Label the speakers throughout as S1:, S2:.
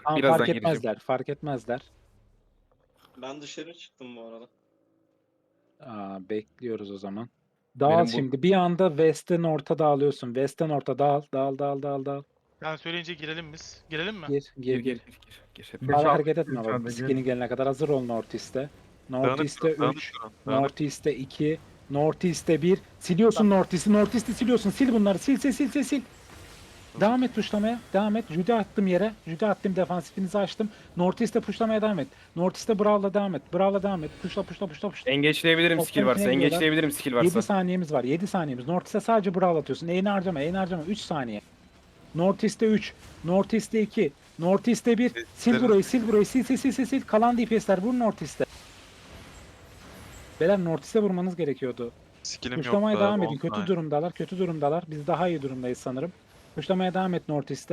S1: Tamam,
S2: Birazdan
S1: fark
S2: geleceğim.
S1: etmezler. Fark etmezler.
S3: Ben dışarı çıktım bu arada.
S1: Bekliyoruz o zaman. Dağıl
S2: Benim bu
S1: şimdi. Bir anda West'ten orta dağılıyorsun. West'ten orta dağıl. Dağıl dağıl dağıl dağıl.
S4: Ben söyleyince girelim biz. Girelim mi?
S1: Gir
S2: gir
S1: gir gir.
S2: gir. Hep.
S1: Fazla hareket etme
S5: içeride,
S1: bak.
S5: gir.
S1: Skill'in gelene kadar hazır ol North East'e. North East'e 3. North East'e 2. North East'e 1. Siliyorsun North East'i. North East'i siliyorsun. Sil bunları. Sil. Devam et tuşlamaya. Devam et. Judy attım yere. Judy attım. Defansifinizi açtım. North East'e puşlamaya devam et. North East'e Brawl'la devam et. Brawl'la devam et. Puşla.
S2: Engage'leyebilirim
S1: Toplam
S2: skill varsa.
S1: içine giriyorlar.
S2: Engage'leyebilirim skill
S1: 7
S2: varsa.
S1: saniyemiz var. 7 saniyemiz. North East'e sadece Brawl atıyorsun. Eğini harcama. 3 saniye. North East'e 3. North East'e 2. North East'e 1. Sil burayı. Sil. Kalan DPS'ler vur North East'e. Beyler North East'e vurmanız gerekiyordu.
S6: Skillim yok.
S1: Kuşlamaya
S6: daha
S1: devam edin.
S6: 10
S1: Kötü
S6: saniye.
S1: durumdalar. Biz daha iyi durumdayız sanırım. Kuşlamaya devam et North East'e.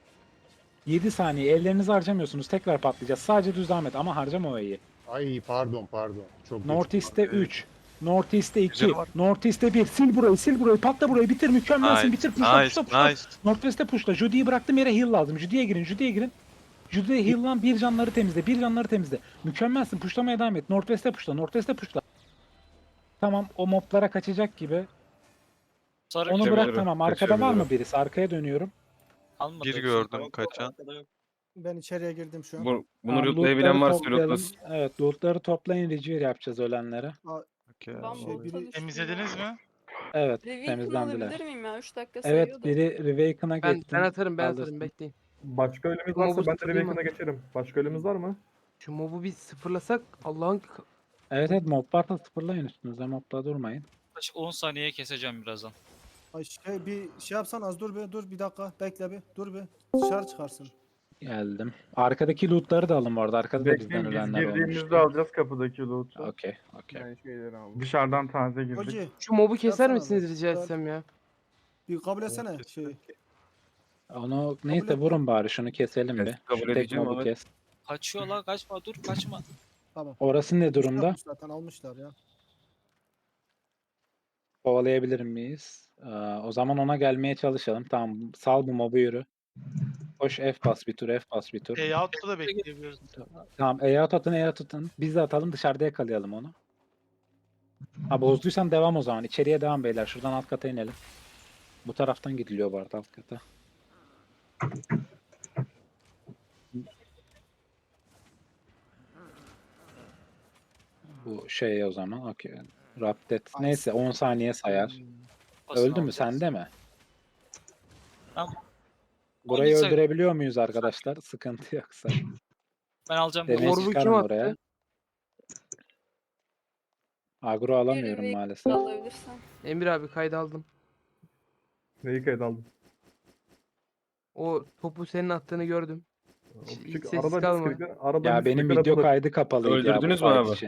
S1: 7 saniye. Ellerinizi harcamıyorsunuz. Tekrar patlayacağız. Sadece düz devam et ama harcama o E'yi.
S5: Ay pardon. Çok
S1: North
S5: geç.
S1: East'e 3. North East'e 2.
S6: Güzel var.
S1: North East'e 1. Sil burayı. Patla burayı. Bitir. Mükemmelsin. Bitir. Puşla.
S6: Nice.
S1: Northwest'e pushla. Judy'yi bıraktım yere heal lazım. Judy'ye girin. Judy'ye heal'lan, bir canları temizle. Mükemmelsin. Pushlamaya devam et. Northwest'e pushla. Tamam, o moblara kaçacak gibi.
S7: Sarı
S1: Onu
S2: Kaçabilir
S1: bırak
S2: o,
S1: tamam. Arkada var
S2: kaçabilir
S1: mı
S2: o.
S1: birisi? Arkaya dönüyorum.
S7: almadı.
S6: Bir
S7: hepsini.
S6: gördüm
S3: Yok,
S6: kaçan.
S3: arkada yok.
S8: Ben içeriye girdim şu an.
S2: Bunu
S1: Tamam,
S2: lootlayabilen varsa
S1: toplayalım.
S2: lootlasın.
S1: Evet, lootları toplayın. Regear yapacağız ölenlere.
S6: Okey.
S9: Ben
S8: Şey,
S9: bu
S8: biri-
S9: çalıştım
S4: Temizlediniz
S9: ya.
S4: mi?
S1: Evet,
S9: Reveal'ını
S1: temizlendiler.
S9: alabilir miyim ya? 3 dakika
S1: Evet,
S9: sayıyordu.
S1: biri Rewaken'a
S10: Ben
S1: geçti.
S10: atarım
S1: Alırsın.
S10: bekleyin.
S5: Başka ölümüz
S10: Ama bu
S5: varsa ben de
S10: sıfırlayayım
S5: Reveken'a geçerim. Başka ölümüz var mı?
S10: Şu mobu bir sıfırlasak Allah'ın
S1: Evet, mob varsa sıfırlayın üstünüze. Mobla durmayın.
S7: Yaklaşık 10 saniyeye keseceğim birazdan.
S8: Ay bir şey yapsan az dur bir dakika bekle bir dur bir dışarı çıkarsın.
S1: Geldim. Arkadaki lootları da alın bu arada. Arkada da bizden
S5: Bekleyin biz
S1: ölenler
S5: girdiğimizde
S1: olmuştu.
S5: alacağız kapıdaki loot'u.
S1: Okey.
S5: Dışarıdan taze girdik.
S8: Hoca
S10: şu mobu keser
S8: Yapsana
S10: misiniz
S8: abi.
S10: rica etsem ya?
S8: bir kabul etsene şeyi.
S1: Onu neyse
S8: et.
S1: vurun bari şunu keselim
S2: Evet,
S1: bir.
S2: kabul
S1: Şu tek
S2: edeceğim
S1: mobu
S2: ama-
S1: kes.
S7: Kaçıyor la kaçma dur kaçma.
S8: Tamam.
S1: Orası ne durumda?
S8: Yapmış zaten almışlar ya.
S1: Kovalayabilir miyiz? O zaman ona gelmeye çalışalım. Tamam sal bu mobu yürü. Koş F bas bir tur.
S4: Out'ta da bekleyebiliriz.
S1: Tamam E'ye tutun. Biz de atalım dışarıda yakalayalım onu. Ha bozduysan devam o zaman. İçeriye devam beyler. Şuradan alt kata inelim. Bu taraftan gidiliyor bu arada alt kata. Bu şey o zaman. Okey. Raptet. Neyse 10 saniye sayar.
S7: Basın
S1: Öldü mü?
S7: alacağız.
S1: Sende mi?
S7: Tamam.
S1: Burayı
S7: 12 sayı-
S1: öldürebiliyor muyuz arkadaşlar? Sıkıntı yoksa.
S7: Ben alacağım.
S1: Demeyi
S10: Orbu kim
S1: çıkarın
S10: attı?
S1: oraya. Agro alamıyorum
S9: Bir
S1: maalesef.
S9: alabilirsen.
S10: Emir abi kayda aldım.
S5: Neyi kayıt aldın?
S10: O topu senin attığını gördüm.
S5: O
S10: Hiç
S5: küçük
S10: sessiz
S5: arada
S10: kalma.
S5: arada
S1: Ya benim video kaydı kapalıydı ya bu
S2: Öldürdünüz mü
S1: fight
S2: abi?
S1: için.